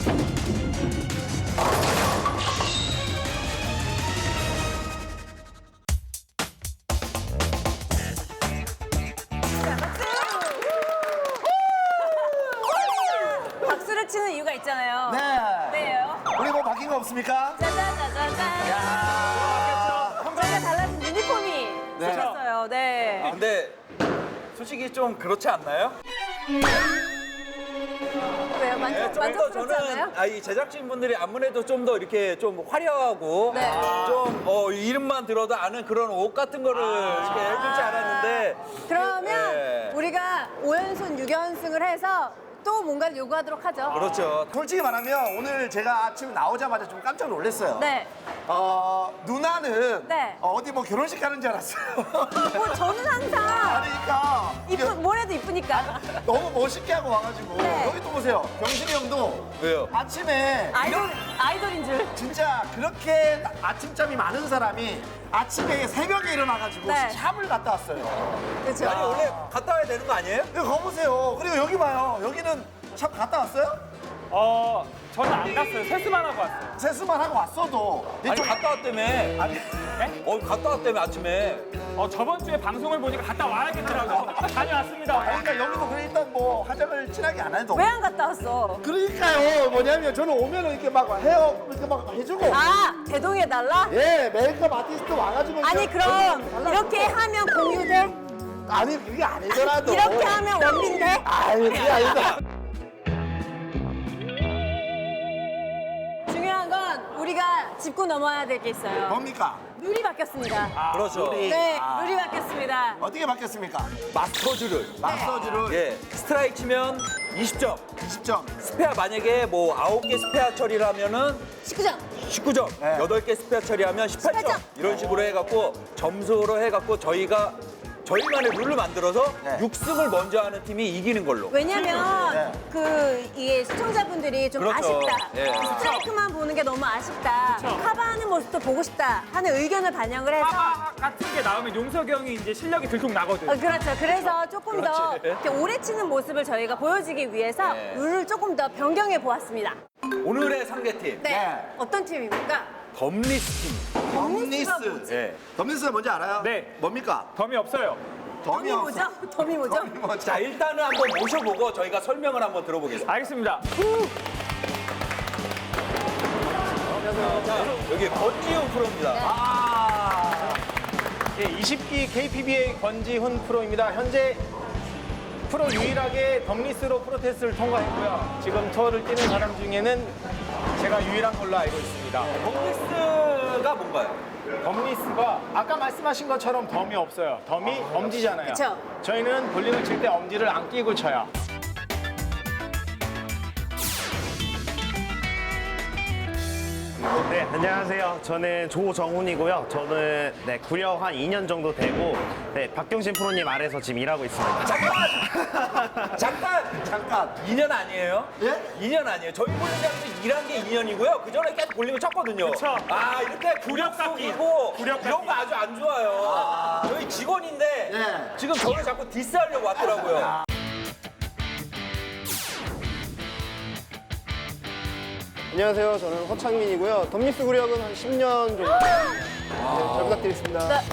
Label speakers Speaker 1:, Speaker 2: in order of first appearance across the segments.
Speaker 1: 박수를 치는 이유가 있잖아요.
Speaker 2: 네.
Speaker 1: 네요.
Speaker 2: 우리 뭐 바뀐 거 없습니까?
Speaker 1: 짜자자자잔.
Speaker 2: 야.
Speaker 1: 저희가 달라진 유니폼이
Speaker 2: 네.
Speaker 1: 생겼어요. 네.
Speaker 3: 근데 솔직히 좀 그렇지 않나요?
Speaker 1: 왜요?
Speaker 3: 좀 더
Speaker 1: 만족스럽지 않아요?
Speaker 3: 저는 이 제작진분들이 아무래도 좀 더 이렇게 좀 화려하고
Speaker 1: 네.
Speaker 3: 좀 이름만 들어도 아는 그런 옷 같은 거를 이렇게 해주지 않았는데
Speaker 1: 그러면
Speaker 3: 네.
Speaker 1: 우리가 5연승, 6연승을 해서 또 뭔가를 요구하도록 하죠.
Speaker 3: 그렇죠.
Speaker 2: 솔직히 말하면 오늘 제가 아침 나오자마자 좀 깜짝 놀랐어요.
Speaker 1: 네.
Speaker 2: 누나는
Speaker 1: 네.
Speaker 2: 어디 뭐 결혼식 가는 줄 알았어요.
Speaker 1: 뭐 저는 항상
Speaker 2: 그러니까
Speaker 1: 뭐래도 이쁘니까.
Speaker 2: 너무 멋있게 하고 와가지고
Speaker 1: 네.
Speaker 2: 여기 또 보세요. 경신이 형도
Speaker 3: 왜요?
Speaker 2: 아침에
Speaker 1: 아이돌인 줄.
Speaker 2: 진짜 그렇게 아침잠이 많은 사람이 아침에 새벽에 일어나가지고
Speaker 1: 네.
Speaker 2: 샵을 갔다 왔어요.
Speaker 1: 그렇죠.
Speaker 3: 아니 원래 갔다 와야 되는 거 아니에요?
Speaker 2: 여기 가보세요. 그리고 여기 봐요. 여기는 샵 갔다 왔어요?
Speaker 4: 저는 안 갔어요. 세수만 하고 왔어요.
Speaker 2: 세수만 하고 왔어도
Speaker 3: 아니 갔다 왔다며.
Speaker 2: 아니
Speaker 3: 갔다 왔다며 아침에.
Speaker 4: 저번 주에 방송을 보니까 갔다 와야겠더라고요. 다녀왔습니다.
Speaker 2: 그러니까 여기도 그래 일단 뭐 화장을 진하게 안 해도
Speaker 1: 왜 안 갔다 왔어?
Speaker 2: 그러니까요. 뭐냐면 저는 오면은 이렇게 막 헤어 이렇게 막 해주고
Speaker 1: 아, 대동해달라?
Speaker 2: 예 메이크업 아티스트 와가지고
Speaker 1: 아니,
Speaker 2: 이렇게
Speaker 1: 그럼
Speaker 2: 발라주고.
Speaker 1: 이렇게 하면 공유돼?
Speaker 2: 아니 그게 아니더라도
Speaker 1: 이렇게 하면 원빈돼?
Speaker 2: 아니 그게 아니다.
Speaker 1: 중요한 건 우리가 짚고 넘어야 될 게 있어요.
Speaker 2: 뭡니까?
Speaker 1: 룰이 바뀌었습니다.
Speaker 3: 그렇죠.
Speaker 2: 룰이.
Speaker 1: 네,
Speaker 2: 아.
Speaker 1: 룰이 바뀌었습니다.
Speaker 2: 어떻게 바뀌었습니까?
Speaker 3: 마스터즈를.
Speaker 2: 마사지를
Speaker 3: 예. 스트라이크 치면 20점.
Speaker 2: 20점.
Speaker 3: 스페어 만약에 뭐 9개 스페어 처리라면은
Speaker 1: 19점.
Speaker 3: 19점,
Speaker 2: 네.
Speaker 3: 8개 스페어 처리하면 18점.
Speaker 1: 18점.
Speaker 3: 이런 식으로 해갖고 점수로 해갖고 저희만의 룰을 만들어서
Speaker 2: 네.
Speaker 3: 6승을 먼저 하는 팀이 이기는 걸로.
Speaker 1: 왜냐면
Speaker 2: 네.
Speaker 1: 이게 시청자분들이 좀
Speaker 3: 그렇죠.
Speaker 1: 아쉽다.
Speaker 3: 예.
Speaker 1: 스트라이크만 보는 게 너무 아쉽다. 카바하는 모습도 보고 싶다 하는 의견을 반영을 해서
Speaker 4: 파바 같은 게 나오면 용석이 형이 이제 실력이 들통 나거든.
Speaker 1: 그렇죠. 그래서 조금 더
Speaker 3: 그렇지.
Speaker 1: 이렇게 오래 치는 모습을 저희가 보여주기 위해서
Speaker 3: 네.
Speaker 1: 룰을 조금 더 변경해 보았습니다.
Speaker 3: 오늘의 상대팀,
Speaker 1: 네.
Speaker 2: 네.
Speaker 1: 어떤 팀입니까?
Speaker 3: 덤리스 팀.
Speaker 1: 덤리스가
Speaker 2: 덤리스.
Speaker 1: 뭐지?
Speaker 3: 예.
Speaker 2: 덤리스가 뭔지 알아요?
Speaker 4: 네.
Speaker 2: 뭡니까?
Speaker 4: 덤이 없어요.
Speaker 1: 덤이 뭐죠? 덤이 뭐죠?
Speaker 2: 덤이 뭐죠?
Speaker 3: 자, 일단은 한번 모셔보고 저희가 설명을 한번 들어보겠습니다.
Speaker 4: 알겠습니다.
Speaker 3: 자, 여기 권지훈 프로입니다.
Speaker 5: 예, 20기 KPBA 권지훈 프로입니다. 현재 프로 유일하게 덤리스로 프로 테스트를 통과했고요. 지금 투어를 뛰는 사람 중에는 제가 유일한 걸로 알고 있습니다.
Speaker 3: 덤리스가 뭔가요?
Speaker 5: 덤리스가 아까 말씀하신 것처럼 덤이 없어요. 덤이 엄지잖아요.
Speaker 1: 그쵸.
Speaker 5: 저희는 볼링을 칠 때 엄지를 안 끼고 쳐요. 네, 안녕하세요. 저는 조정훈이고요. 저는 구력 한 2년 정도 되고 박경신 프로님 아래서 지금 일하고 있습니다.
Speaker 3: 잠깐. 2년 아니에요?
Speaker 2: 예?
Speaker 3: 2년 아니에요. 저희 볼링장에서 일한 게 2년이고요. 그 전에 계속 볼링을 쳤거든요.
Speaker 4: 그쵸.
Speaker 3: 이렇게
Speaker 4: 구력 쌓기.
Speaker 3: 구력이고
Speaker 4: 구력
Speaker 3: 이런 거 아주 안 좋아요. 저희 직원인데
Speaker 2: 예.
Speaker 3: 지금 저를 자꾸 디스하려고 왔더라고요.
Speaker 6: 안녕하세요. 저는 허창민이고요. 덤리스 구력은 한 10년 정도. 네, 잘 부탁드리겠습니다.
Speaker 1: 네.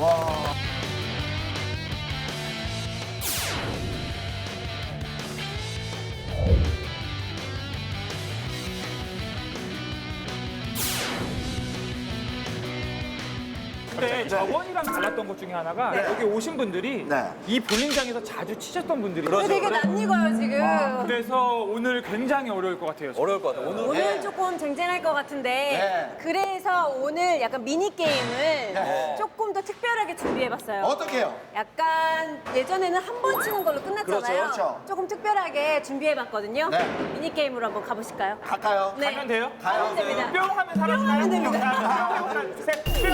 Speaker 4: 근데 저번이랑 달랐던 것 중에 하나가 여기 오신 분들이
Speaker 2: 네.
Speaker 4: 이 볼링장에서 자주 치셨던 분들이에요.
Speaker 3: 그렇죠.
Speaker 1: 되게 낯익어요, 지금.
Speaker 4: 그래서 오늘 굉장히 어려울 것 같아요.
Speaker 3: 어려울 것 같아요. 오늘
Speaker 1: 오늘 조금 쟁쟁할 것 같은데
Speaker 2: 네.
Speaker 1: 그래서 오늘 약간 미니 게임을
Speaker 2: 네.
Speaker 1: 조금 더 특별하게 준비해봤어요.
Speaker 2: 어떻게 해요?
Speaker 1: 약간 예전에는 한 번 치는 걸로 끝났잖아요.
Speaker 2: 그렇죠, 그렇죠.
Speaker 1: 조금 특별하게 준비해봤거든요.
Speaker 2: 네.
Speaker 1: 미니 게임으로 한번 가보실까요?
Speaker 2: 갈까요?
Speaker 1: 네.
Speaker 4: 가면 돼요?
Speaker 1: 가면 됩니다.
Speaker 4: 뿅 하면 사라지나요?
Speaker 1: 뿅 하면 됩니다.
Speaker 4: 하나, 셋, 뿅!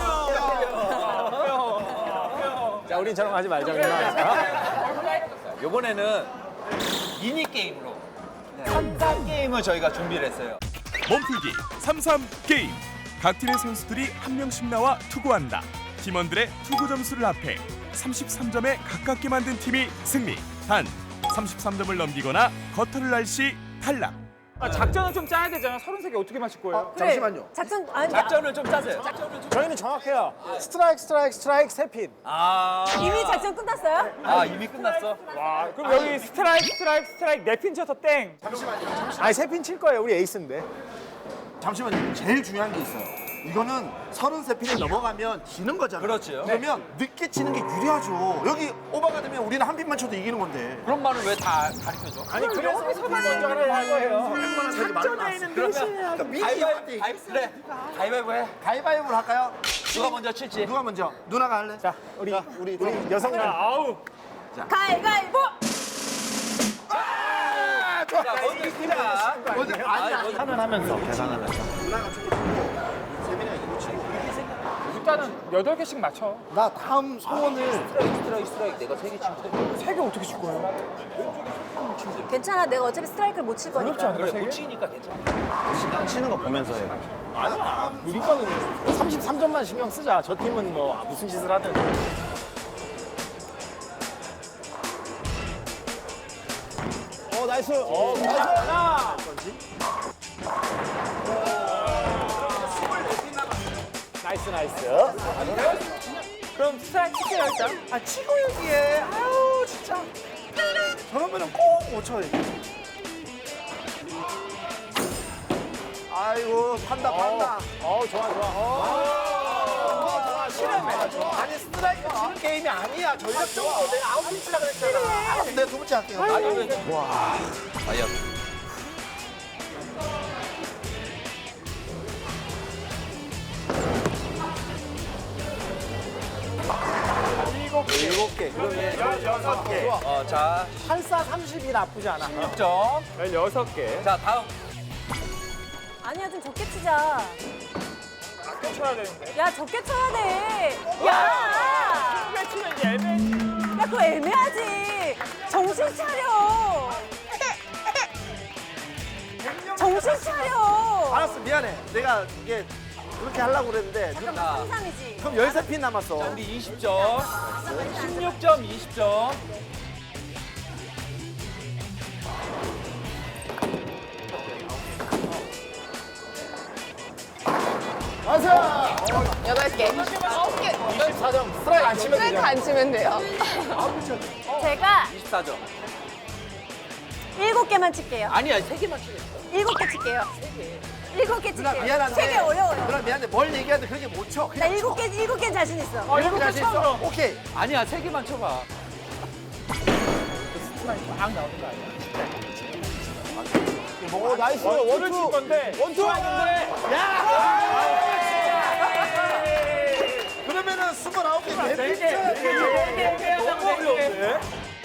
Speaker 5: 자, 우리처럼 하지 말자.
Speaker 3: 이번에는 미니 게임으로 3단 게임을 저희가 준비를 했어요.
Speaker 7: 몸풀기 3-3 게임. 각 팀의 선수들이 한 명씩 나와 투구한다. 팀원들의 투구 점수를 합해 33점에 가깝게 만든 팀이 승리. 단 33점을 넘기거나 거터를 날 시 탈락.
Speaker 4: 작전은 좀 짜야 되잖아. 33개 어떻게 맞힐 거예요?
Speaker 1: 그래.
Speaker 2: 잠시만요.
Speaker 1: 작전 아니
Speaker 3: 작전을 좀 짜세요.
Speaker 5: 저희는 정확해요. 스트라이크, 세 핀.
Speaker 1: 이미 작전 끝났어요?
Speaker 3: 아, 이미 끝났어?
Speaker 4: 와, 그럼 여기 스트라이크 4핀 쳐서 땡.
Speaker 5: 아니, 세 핀 칠 거예요. 우리 에이스인데.
Speaker 2: 잠시만요. 제일 중요한 게 있어요. 이거는 33핀을 넘어가면 지는 거잖아요.
Speaker 3: 그렇지요.
Speaker 2: 그러면 늦게 치는 게 유리하죠. 여기 오버가 되면 우리는 한 핀만 쳐도 이기는 건데.
Speaker 3: 그런 말을 왜 다 가르쳐줘?
Speaker 5: 아니, 그래서 먼저 하라고 할 거예요.
Speaker 2: 작전에는
Speaker 3: 그래, 가위바위보 해.
Speaker 2: 가위바위보를 할까요?
Speaker 3: 누가 먼저 칠지.
Speaker 2: 누가 먼저? 누나가 할래?
Speaker 5: 자, 우리 여성분.
Speaker 4: 아우.
Speaker 1: 가위바위보.
Speaker 3: 자, 먼저 칩니다.
Speaker 2: 먼저 아니야.
Speaker 5: 계산을 하면서.
Speaker 2: 누나가 조금 치고 세민이가 이거 치고.
Speaker 4: 일단은 8개씩 맞춰.
Speaker 2: 나 다음 소원을
Speaker 3: 스트라이크 내가 3개 치면
Speaker 4: 3개 어떻게 칠 거예요?
Speaker 1: 괜찮아. 내가 어차피 스트라이크를 못 칠 거니까.
Speaker 3: 그래, 못 치니까 괜찮아.
Speaker 5: 치는 거 보면서 해. 아니야. 우리 거는 33점만 신경 쓰자. 저 팀은 뭐 무슨 짓을 하든. 나이스. 나이스. 나이스.
Speaker 4: 그럼 스트라이크 칠게요, 일단.
Speaker 2: 아 치고 얘기해. 아유 진짜. 저러면은 꼭 못 쳐요. 아이고 판다.
Speaker 5: 좋아.
Speaker 2: 실험해. 아니 스트라이크 치는 게임이 아니야. 전략적으로 내가 아웃 치려고 했잖아. 알았어, 내가 두 번째 할게요.
Speaker 3: 아야.
Speaker 2: 일곱 개. 그러면
Speaker 3: 자,
Speaker 5: 84, 30이 나쁘지 않아.
Speaker 3: 16점.
Speaker 4: 16개.
Speaker 3: 자, 다음.
Speaker 1: 아니야 좀 적게 치자.
Speaker 4: 아껴 쳐야 되는데.
Speaker 1: 야 적게 쳐야 돼. 야.
Speaker 4: 크게 치면 이제 애매해.
Speaker 1: 야 그거 애매하지. 정신 차려. 정신 차려.
Speaker 2: 알았어 미안해. 내가 이게 그렇게 하려고 그랬는데
Speaker 1: 잠깐만 33이지.
Speaker 2: 그럼 13핀 남았어.
Speaker 3: 우리 20점. 16점, 20점.
Speaker 8: 여덟 개.
Speaker 5: 24점. 스트라이크 안 치면
Speaker 8: 스트라이크 안 치면 돼요.
Speaker 1: 제가
Speaker 3: 24점.
Speaker 1: 7개만 칠게요.
Speaker 3: 아니야, 3개만 치래.
Speaker 1: 7개 칠게요. 7개
Speaker 2: 누나
Speaker 1: 칠게요.
Speaker 2: 미안한데.
Speaker 1: 3개 어려워요.
Speaker 2: 누나 미안한데 뭘 얘기하는데 그렇게 못 쳐.
Speaker 1: 나
Speaker 2: 그냥
Speaker 1: 7개 자신 있어.
Speaker 2: 일곱 개 자신 있어. 오케이.
Speaker 3: 아니야, 3개만 쳐봐.
Speaker 5: 오, 나이스.
Speaker 4: 원을 칠 건데.
Speaker 5: 원투 하는데.
Speaker 2: 그러면은 29개
Speaker 4: 네
Speaker 2: 내pit
Speaker 4: 개.
Speaker 2: 쳐야 돼.
Speaker 4: 너무 어려운데?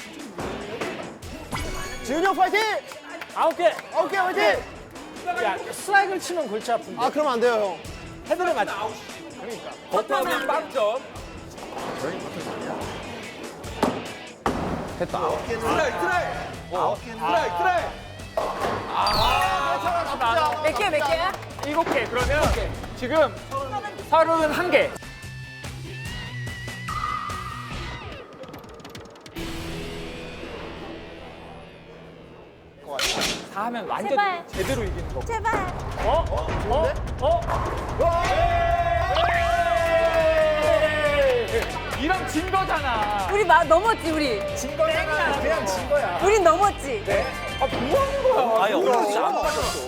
Speaker 5: 지훈이 형 파이팅! 9개 화이팅! 야, 스트라이크를 치면 골치 아픈데.
Speaker 6: 아, 그러면 안 돼요, 형.
Speaker 5: 헤드를 맞
Speaker 3: 버터면 빵점.
Speaker 1: 몇 개, 몇 개야?
Speaker 4: 7개. 그러면 지금 31개. 다 하면 완전
Speaker 1: 제발.
Speaker 4: 제대로 이기는 거.
Speaker 1: 제발.
Speaker 4: 이랑 진 거잖아.
Speaker 1: 우리 넘었지, 우리.
Speaker 5: 진 거잖아. 그냥 진 거야.
Speaker 1: 우린 넘었지.
Speaker 4: 아, 뭐 하는 거야?
Speaker 3: 아니, 오늘 안 맞았어.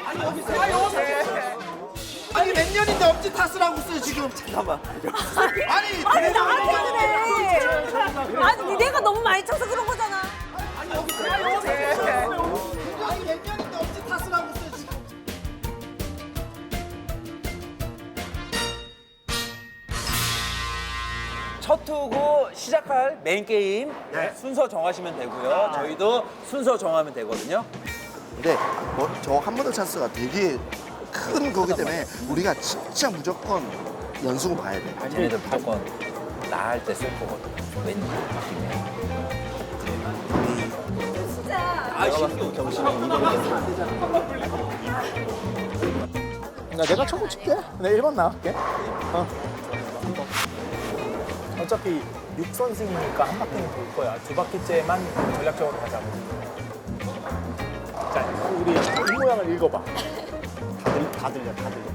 Speaker 2: 아니 몇 년인데 엄지 탓을 있어요 지금. 잠깐만. 아니
Speaker 1: 아니, 나한테 그래. 아니, 내가 너무 많이 쳐서 그런 거잖아.
Speaker 2: 아니 몇 년인데 엄지 탓을 하고 있어요 지금.
Speaker 3: 첫 투구 시작할 메인 게임 순서 정하시면 되고요. 저희도 순서 정하면 되거든요.
Speaker 2: 근데 저 한 번 더 찬스가 되게 큰 거기 때문에 우리가 진짜 무조건 연승을 봐야 돼.
Speaker 3: 쟤네들 무조건 나 할 때 쓸 거거든. 왠지 느낌에.
Speaker 1: 진짜.
Speaker 3: 아, 신규 경신이
Speaker 5: 내가 초구 칠게. 내가 1번 나갈게. 어차피 6선승이니까 한 바퀴는 돌 거야. 2바퀴째만 전략적으로 가자고. 자, 우리 입 모양 문장을 읽어봐.
Speaker 6: 다 들려.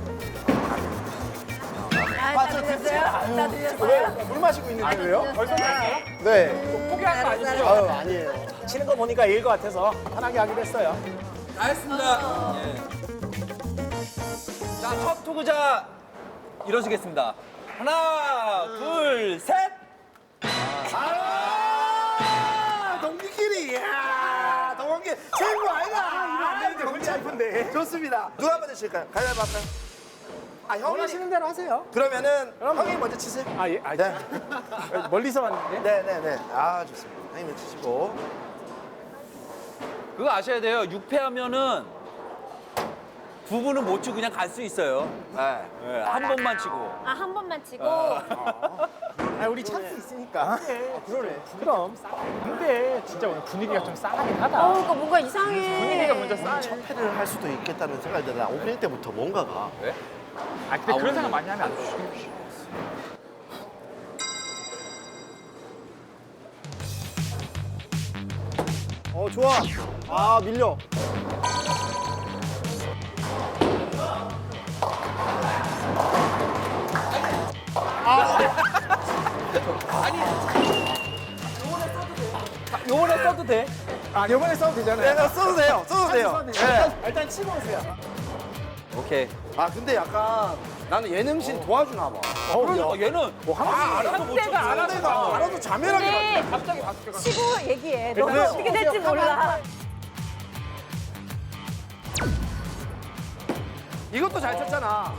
Speaker 1: 다 들렸어요? 다 들렸어요?
Speaker 5: 왜? 물 마시고 있는데 왜요? 벌써 됐어요?
Speaker 6: 네.
Speaker 4: 포기한 거 아니죠?
Speaker 6: 아유, 아니에요.
Speaker 5: 치는 거 보니까 이길 것 같아서 편하게 하기로 했어요.
Speaker 3: 다 했습니다. 예. 자, 첫 투구자 이뤄지겠습니다. 하나, 둘, 셋.
Speaker 2: 동기끼리. 이야, 동원기 최고 아이가.
Speaker 5: 이거 골치 아픈데.
Speaker 2: 좋습니다. 누가 먼저 칠까요? 가위바위보 할까요? 아, 형이
Speaker 5: 원하시는 대로 하세요.
Speaker 2: 그러면은 형이 먼저 치세요.
Speaker 5: 아, 예. 아,
Speaker 2: 네.
Speaker 5: 멀리서 왔는데.
Speaker 2: 네네네. 아, 좋습니다. 형이 먼저 치시고.
Speaker 3: 그거 아셔야 돼요. 6패하면은 두 분은 못 치고 그냥 갈 수 있어요. 네. 한 번만 치고.
Speaker 1: 아, 한 번만 치고.
Speaker 5: 아, 우리 찬스 있으니까. 그러네. 그럼. 근데 진짜 오늘 분위기가 좀 싸하긴 하다.
Speaker 1: 이거 뭔가 이상해.
Speaker 5: 분위기가 먼저 싸해.
Speaker 2: 첫 패를 할 수도 있겠다는 생각이 드나 오프닝 때부터 뭔가가.
Speaker 3: 왜?
Speaker 4: 아, 근데 그런 생각 많이 하면 안 돼.
Speaker 6: 좋아. 아, 밀려.
Speaker 3: 요번에 써도 돼.
Speaker 5: 아, 이번에 써도 되잖아요.
Speaker 2: 네, 써도 돼요. 써도 돼요. 네.
Speaker 5: 일단 치고 오세요.
Speaker 3: 오케이.
Speaker 2: 아, 근데 약간 나는 예능신 도와주나 봐.
Speaker 3: 그러니까 얘는
Speaker 5: 알아서 못 쳐.
Speaker 2: 알아도 자멸하게 막.
Speaker 1: 근데 치고 얘기해. 너는 어떻게 될지 몰라.
Speaker 2: 이것도 잘 쳤잖아.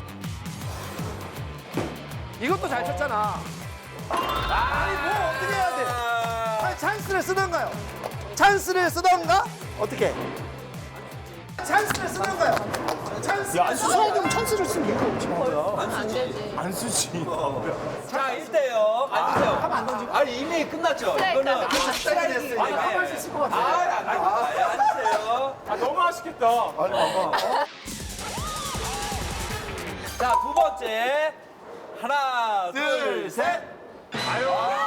Speaker 2: 이것도 잘 쳤잖아. 아니, 뭐 어떻게 해야 돼? 아니, 찬스를 쓰던가요? 찬스를 쓰던가? 어떻게? 찬스를 쓰던가요? 찬스. 야,
Speaker 6: 수사하면 찬스를 쓰면 이거
Speaker 5: 안 쓰지.
Speaker 3: 자, 1대0. 앉으세요. 하면 안 던지고. 아니, 이미 끝났죠. 이거는
Speaker 2: 시작이 됐으니까.
Speaker 5: 할수 있을 것 같아.
Speaker 3: 앉으세요.
Speaker 4: 아, 너무 아쉽겠다.
Speaker 3: 자, 두 번째. 하나, 둘, 셋.
Speaker 4: 아유.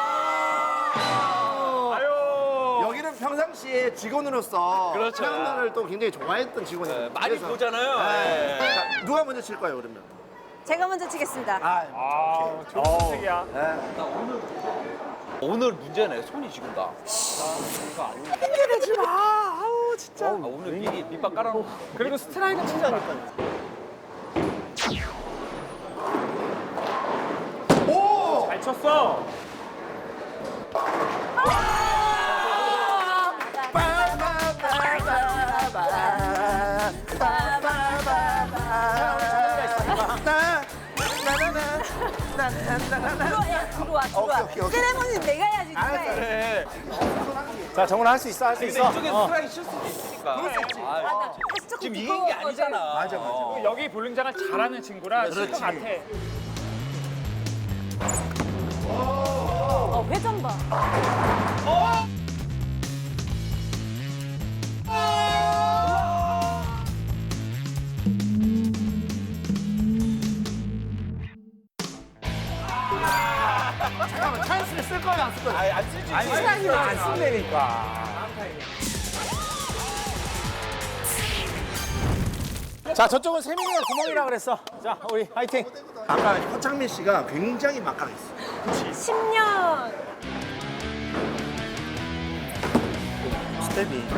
Speaker 2: 여기는 평상시에 직원으로서
Speaker 3: 그렇죠.
Speaker 2: 태양만을 또 굉장히 좋아했던 직원이에요.
Speaker 3: 네, 많이 보잖아요. 네.
Speaker 2: 자, 누가 먼저 칠 거예요, 그러면?
Speaker 1: 제가 먼저 치겠습니다.
Speaker 4: 아, 좋은 선택이야.
Speaker 3: 오늘 문제네. 손이 지금 나.
Speaker 5: 내지 마. 아우, 진짜.
Speaker 3: 오늘 미리 밑밥 깔아놓고.
Speaker 5: 그리고 스트라이크 치자니까.
Speaker 4: 잘 쳤어.
Speaker 1: 들어와.
Speaker 2: 오케이.
Speaker 1: 세레머니 내가 해야지. 누가 해.
Speaker 5: 자, 정훈아 할 수 있어, 할 수
Speaker 3: 근데
Speaker 5: 있어.
Speaker 3: 이쪽에 스트라이크 칠 수도 있으니까.
Speaker 1: 나 사실 조금
Speaker 3: 지금 이긴 게 아니잖아.
Speaker 2: 맞아.
Speaker 4: 여기 볼링장을 잘하는 친구라 칠 것 같아.
Speaker 1: 회전 봐.
Speaker 2: 잠깐만, 찬스를 쓸 거야, 안 쓸 거야?
Speaker 3: 아니, 안 쓰지.
Speaker 5: 아니, 스트라이크를 안 쓴다니까. 자, 저쪽은 세민이가 구멍이라 그랬어. 자, 우리 화이팅.
Speaker 2: 아까 허창민 씨가 굉장히 막강했어.
Speaker 1: 10년.
Speaker 2: 스텝이.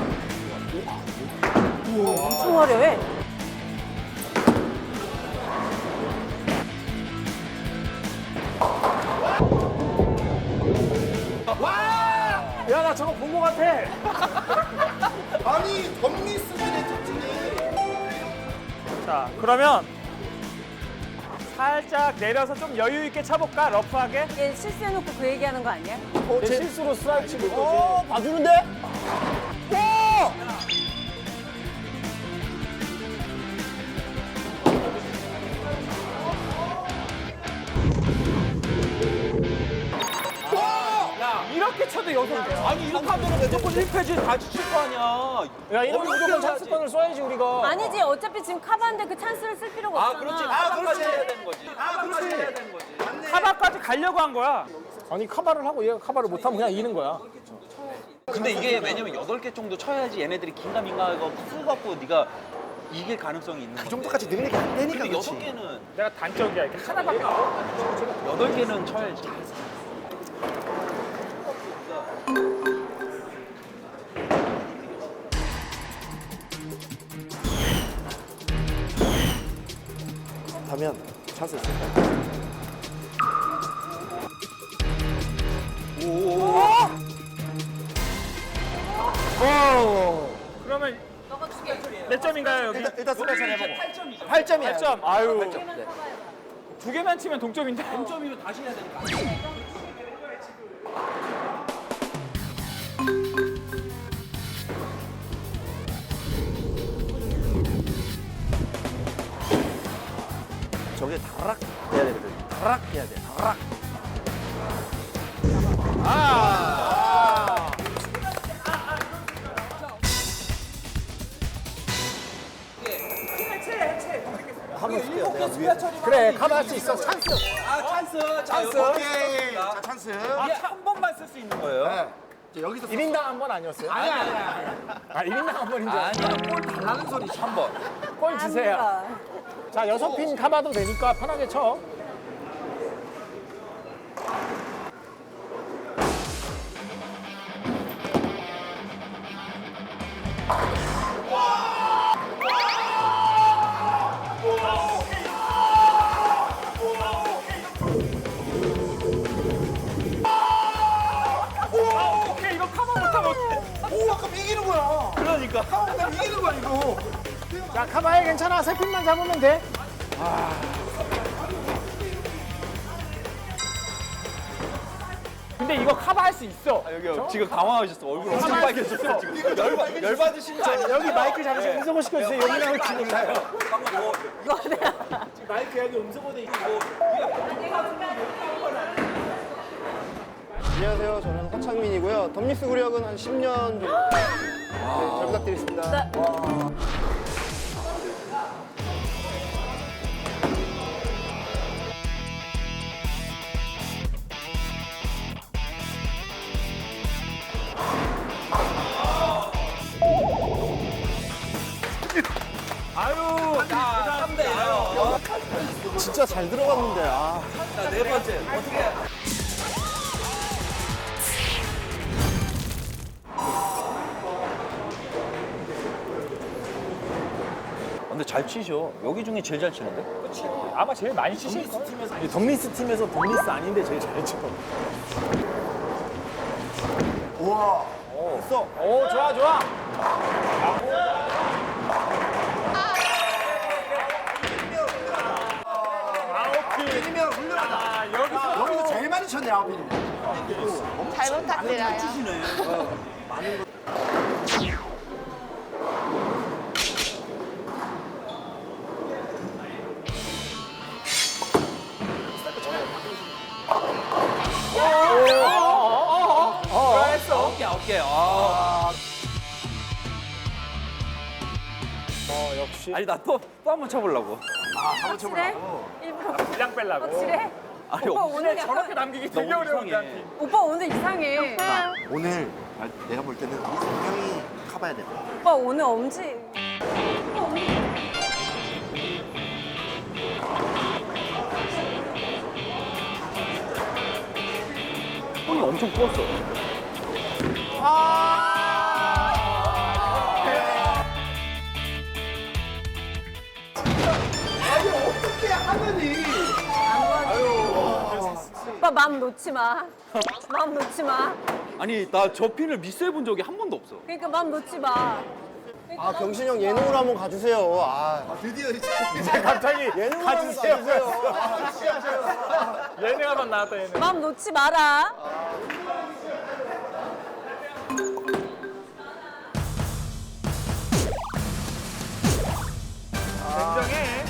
Speaker 1: 엄청 화려해.
Speaker 5: 야, 나 저거 본 거 같아.
Speaker 2: 아니, 덤리 수준의 특징이.
Speaker 4: 자, 그러면 살짝 내려서 좀 여유 있게 차볼까? 러프하게?
Speaker 1: 얘 실수해놓고 그 얘기하는 거 아니야?
Speaker 5: 제 실수로 스트라이크 치고 있거지.
Speaker 6: 봐주는데?
Speaker 4: 이렇게 쳐도 여섯 개.
Speaker 3: 아니, 이렇게 하면 무조건 1패지 다시 칠 거 아니야.
Speaker 5: 야, 이러면 무조건 찬스권을 써야지, 우리가.
Speaker 1: 아니지. 어차피 지금 카바인데 그 찬스를 쓸 필요가
Speaker 3: 아,
Speaker 1: 없잖아.
Speaker 3: 그렇지. 카바까지 해야 되는 거지. 카바까지 해야 되는 거지.
Speaker 4: 카바까지 가려고 한 거야.
Speaker 5: 아니, 카바를 하고 얘가 카바를 못하면 그냥 이기는 거야.
Speaker 3: 근데 이게 왜냐면 8개 정도 쳐야지 얘네들이 긴가민가하고 풀갖고 네가 이길 가능성이 있는
Speaker 2: 그 정도까지 능력이 안 되니까
Speaker 3: 근데
Speaker 2: 그렇지.
Speaker 3: 6개는
Speaker 4: 내가 단적이야. 이렇게 하나밖에 안
Speaker 3: 8개는 쳐야지.
Speaker 2: 하면 찬스 있을 거야.
Speaker 4: 그러면 몇 점인가요 여기?
Speaker 2: 일단 스페셜 해보고. 8점이야.
Speaker 4: 8점. 아유. 두 개만 치면 동점인데.
Speaker 3: 동점이면 다시 해야 되니까.
Speaker 2: 저게 다락 해야 되거든. 다락 해야 돼. 다락. 한번 쓸게요. 내가 위에.
Speaker 5: 그래, 커버할 수 있어. 찬스.
Speaker 3: 찬스.
Speaker 2: 오케이. 자, 찬스.
Speaker 3: 이게 한 번만 쓸 수 있는 거예요.
Speaker 2: 네. 이제 여기서
Speaker 5: 1인당 한 번 아니었어요? 아니야. 1인당 한 번인 줄 알았어.
Speaker 3: 아니야, 골 달라는 소리지, 한 번.
Speaker 5: 골 주세요. 자, 6핀 카바도 되니까 편하게 쳐.
Speaker 4: 오케이 이거 커버 못하면 어떡해.
Speaker 2: 오, 아까 이기는 거야.
Speaker 3: 그러니까.
Speaker 2: 나 이기는 거야, 이거.
Speaker 5: 자, 카바에 괜찮아. 3핀만 잡으면 돼.
Speaker 4: 근데 이거 커버할 수 있어.
Speaker 3: 여기 지금 당황하셨어. 얼굴 엄청 빨개졌어. 지금 열받으신 거 아니에요?
Speaker 5: 여기 마이크 잡으시고 음소거 시켜주세요. 여기 나올 테니까요.
Speaker 3: 마이크 여기 음소거돼 있고.
Speaker 6: 안녕하세요. 저는 허창민이고요. 덤리스 구력은 한 10년 정도. 네, 잘 부탁드리겠습니다.
Speaker 3: 아유, 자, 3대 0.
Speaker 2: 진짜 잘 들어갔는데. 아.
Speaker 3: 자, 네 번째. 어떻게. 근데 잘 치셔. 여기 중에 제일 잘 치는데?
Speaker 4: 아마 제일 많이 치실 거.
Speaker 5: 이 덤리스 팀에서 덤리스 아닌데 제일 잘 쳐.
Speaker 2: 우와. 있어.
Speaker 5: 오, 좋아, 좋아.
Speaker 2: 이기면 훌륭하다. 여기서 제일 많이 쳤네, 아홉이면.
Speaker 8: 잘 부탁드려요.
Speaker 3: 아홉 개. 아.
Speaker 5: 역시.
Speaker 3: 아니, 나 또 한 번 쳐보려고.
Speaker 1: 확실해? 일부러
Speaker 4: 그냥 빼려고.
Speaker 1: 확실해?
Speaker 3: 아니,
Speaker 1: 오빠 오늘
Speaker 4: 저렇게
Speaker 1: 약간
Speaker 4: 남기기 되게
Speaker 3: 너무
Speaker 4: 어려운데.
Speaker 3: 이상해.
Speaker 4: 한 팀.
Speaker 1: 오빠 오늘 이상해.
Speaker 2: 오늘 내가 볼 때는 이 성경이 커봐야 돼.
Speaker 1: 오빠 오늘 엄지.
Speaker 3: 손이 엄청 부었어.
Speaker 2: 어떻게 하느니?
Speaker 1: 오빠 마음 놓지 마. 마음 놓지 마.
Speaker 3: 아니, 나 저 핀을 미스해본 적이 한 번도 없어.
Speaker 1: 그러니까 마음 놓지 마.
Speaker 6: 아, 경신 형 예능으로 한번 가주세요. 아,
Speaker 2: 드디어 이제.
Speaker 5: 갑자기
Speaker 6: 예능으로
Speaker 5: 가주세요.
Speaker 6: 한번 가주세요.
Speaker 4: 얘네가 만 나왔다 얘네.
Speaker 1: 마음 놓지 마라.
Speaker 4: 냉정해.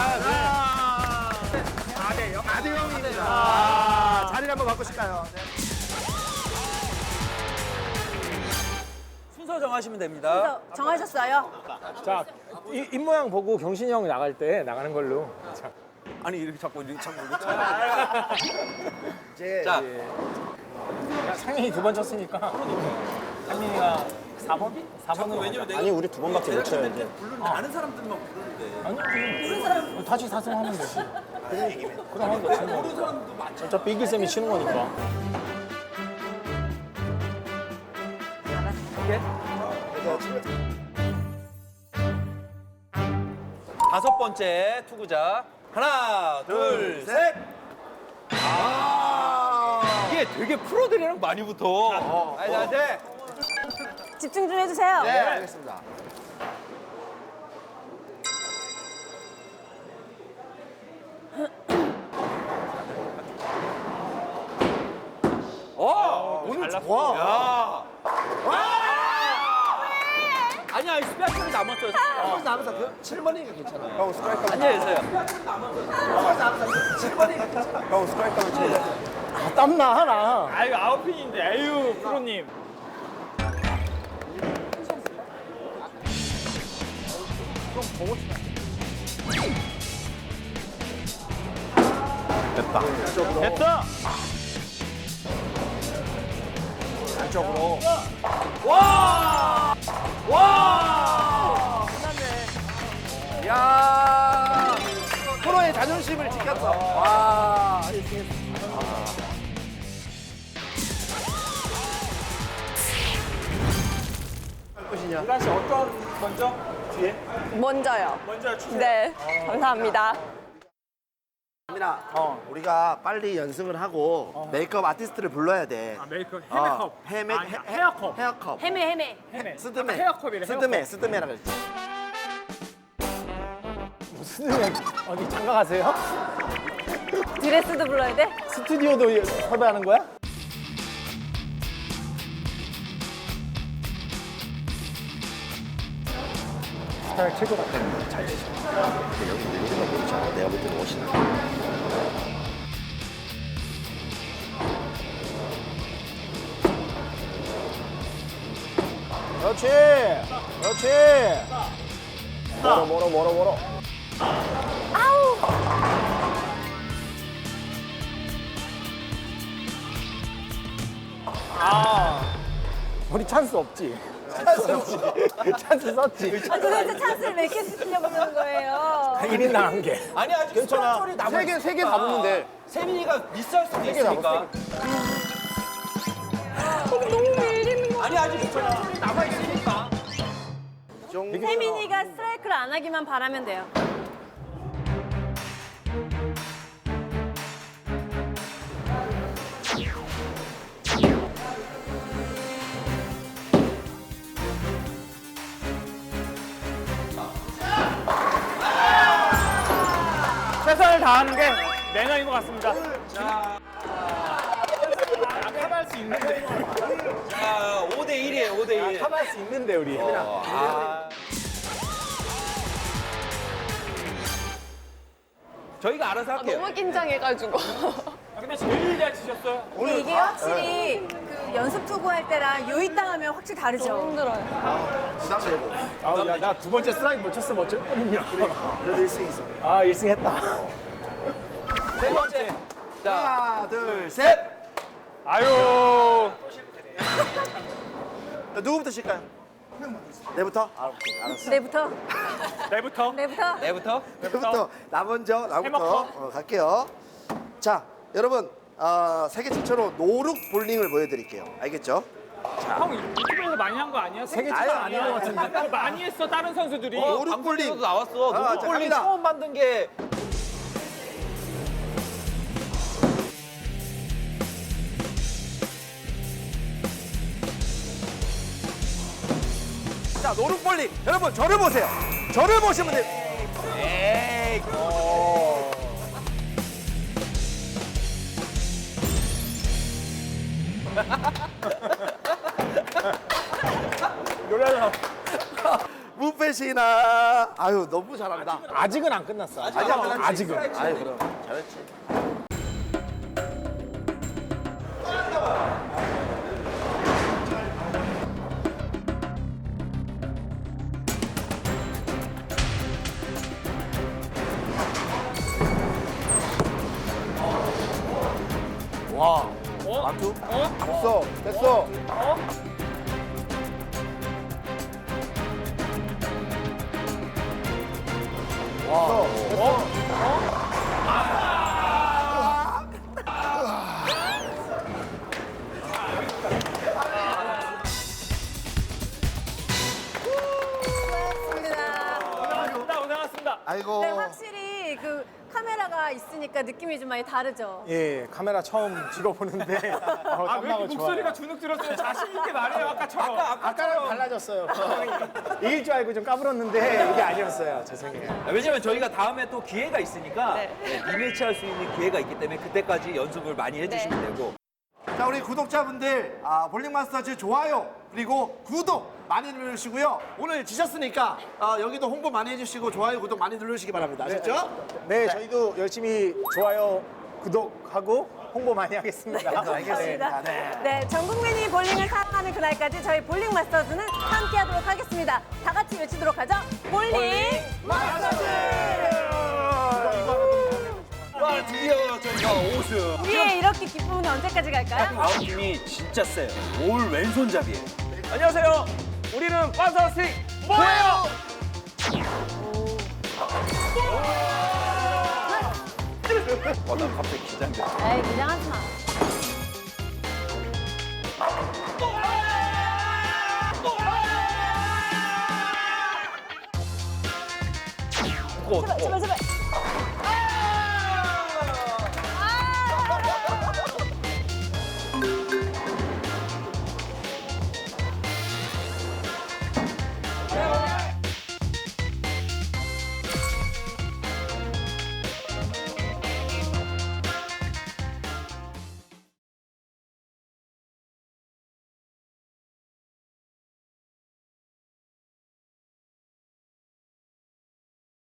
Speaker 2: 자리를 한번 바꾸실까요?
Speaker 3: 순서 정하시면 됩니다.
Speaker 1: 그래서 정하셨어요?
Speaker 5: 자, 입 모양 보고 경신이 형 나갈 때 나가는 걸로. 자,
Speaker 3: 아니, 이렇게 자꾸 이렇게 쳐.
Speaker 2: 이제
Speaker 3: 자,
Speaker 5: 상민이 2번 쳤으니까 상민이가 4번? 4번은
Speaker 3: 왜냐면 내가
Speaker 6: 아니 우리 두 번밖에 못 쳐야 돼.
Speaker 3: 부르는데 아는 사람들만 부르는데.
Speaker 5: 아니지. 다시 4승 하면 되지. 그럼 하면 되지.
Speaker 3: 모르는 사람도 많지.
Speaker 5: 어차피 이길 셈이 치는 거니까.
Speaker 3: 다섯 번째 투구자. 하나, 둘, 셋. 이게 되게 프로들이랑 많이 붙어. 아니, 나한테.
Speaker 1: 집중 좀 해주세요.
Speaker 2: 네, 알겠습니다.
Speaker 3: 오늘 좋아. 야. 아니야, 스피아트는 남았어요.
Speaker 2: 남아서 그 7번이니까 괜찮아요.
Speaker 6: 형 스트라이크 하면
Speaker 3: 앉아있어요.
Speaker 2: 7번이니까 괜찮아요.
Speaker 6: 형 스트라이크 하면 쳐야 돼.
Speaker 5: 아, 땀나 하나.
Speaker 4: 아유 아웃핀인데 아유 프로님. 됐다.
Speaker 2: 안쪽으로. 끝났네. 야 프로의 자존심을 지켰어. 와.
Speaker 6: 끝이냐?
Speaker 4: 유란 씨 어떤 먼저? 뒤에?
Speaker 8: 먼저요.
Speaker 4: 먼저 주세요.
Speaker 8: 네, 감사합니다.
Speaker 2: 민아, 우리가 빨리 연습을 하고 메이크업 아티스트를 불러야 돼.
Speaker 4: 아 메이크업 헤메컵. 아니, 헤어컵.
Speaker 2: 헤어컵.
Speaker 1: 헤매.
Speaker 2: 스드메.
Speaker 4: 헤어컵이래,
Speaker 2: 스드메라 그랬지.
Speaker 5: 무슨 어디 장가 가세요?
Speaker 1: 드레스도 불러야 돼?
Speaker 5: 스튜디오도 섭외하는 거야? 스타일 최고 같아. 잘 치죠.
Speaker 2: 우리가 모르잖아. 내가 볼 때는 훨씬 나.
Speaker 5: 그렇지. 그렇지. 멀어. 우리 찬스 없지? 찬스 썼지?
Speaker 1: 도대체 찬스를 몇 개 쓰시려고 그러는 거예요?
Speaker 5: 1인당 한 개.
Speaker 3: 아니, 아직 괜찮아. 소리 남아.
Speaker 6: 세개 다 붙는 데.
Speaker 3: 세민이가 미스할 수도 있으니까.
Speaker 8: 너무 밀리는 거.
Speaker 3: 아니, 아직 괜찮아. 소리 남아있으니까.
Speaker 1: 혜민이가 스트라이크를 안 하기만 바라면 돼요.
Speaker 4: 최선을 다하는 게 매너인 것 같습니다. 카바할 수 있는데.
Speaker 3: 자, 5대1이에요, 5대1.
Speaker 5: 참할 수 있는데 우리.
Speaker 3: 저희가 알아서 할게요.
Speaker 8: 너무 긴장해가지고.
Speaker 4: 근데 제일 잘 치셨어요.
Speaker 1: 근데 이게 확실히 그 연습 투구할 때랑 요입당하면 확실히 다르죠.
Speaker 8: 힘들어요.
Speaker 2: 부담되고.
Speaker 5: 야, 나 두 번째 스트라이크 못 쳤으면 어쩔 뻔했냐.
Speaker 2: 그래도 1승 있어.
Speaker 5: 아, 1승 했다.
Speaker 3: 세 번째. 자,
Speaker 2: 하나, 둘, 셋.
Speaker 4: 아유.
Speaker 2: 자, 누구부터 칠까요? 내부터? 아, 오케이. 알았어.
Speaker 1: 내부터.
Speaker 4: 내부터.
Speaker 3: 내부터.
Speaker 2: 내부터. 나 먼저. 나부터.
Speaker 4: 해먹고.
Speaker 2: 갈게요. 자, 여러분. 세계 최초로 노룩 볼링을 보여드릴게요. 알겠죠?
Speaker 4: 형 유튜브에서 많이 한 거 아니야? 세계
Speaker 2: 아유, 아닌 것
Speaker 4: 같은데. 많이 했어 다른 선수들이.
Speaker 2: 노룩 볼링.
Speaker 3: 방송에서도 나왔어.
Speaker 2: 자,
Speaker 3: 노룩볼링
Speaker 2: 갑니다.
Speaker 3: 처음 만든 게.
Speaker 2: 자, 노룩 볼링. 여러분, 저를 보세요. 저를 보시면 돼요.
Speaker 3: 에이,
Speaker 5: 노래를
Speaker 2: 무패시나. 아유, 너무 잘한다.
Speaker 5: 아직은 안 끝났어.
Speaker 2: 아직 안 끝났지?
Speaker 5: 아직은.
Speaker 2: 아유, 그럼. 잘했지.
Speaker 5: 와.
Speaker 2: 완투?
Speaker 5: 됐어. 됐어.
Speaker 4: 고생하셨습니다. 고생하셨습니다.
Speaker 2: 아이고.
Speaker 1: 네, 확실히 그 카메라가 있으니까 느낌이 좀 많이 다르죠.
Speaker 5: 예, 카메라 처음 찍어보는데
Speaker 4: 아, 왜 이렇게 목소리가 주눅 들었어요? 자신 있게 말해요, 아까처럼.
Speaker 5: 아까랑 달라졌어요. 이길 줄 알고 좀 까불었는데 이게 아니었어요. 죄송해요.
Speaker 3: 왜냐면 저희가 다음에 또 기회가 있으니까
Speaker 8: 네.
Speaker 3: 리매치 할 수 있는 기회가 있기 때문에 그때까지 연습을 많이 해주시면 되고.
Speaker 2: 자, 우리 구독자분들, 볼링마스터즈 좋아요, 그리고 구독 많이 누르시고요. 오늘 지셨으니까 여기도 홍보 많이 해주시고 좋아요, 구독 많이 누르시기 바랍니다. 아셨죠?
Speaker 5: 네, 저희도 열심히 좋아요, 구독하고 홍보 많이 하겠습니다.
Speaker 1: 알겠습니다. 네, 전 국민이 볼링을 사랑하는 그날까지 저희 볼링 마스터즈는 함께하도록 하겠습니다. 다 같이 외치도록 하죠. 볼링 마스터즈!
Speaker 3: 와, 드디어 저희가 5승.
Speaker 1: 우리의 이렇게 기쁨은 언제까지 갈까요?
Speaker 3: 다음 팀이 진짜 세요. 올 왼손잡이에요.
Speaker 4: 안녕하세요. 우리는 판타스틱 뭐예요?
Speaker 3: 나 갑자기 긴장돼.
Speaker 1: 에이, 긴장하지 마. 제발, 제발, 제발.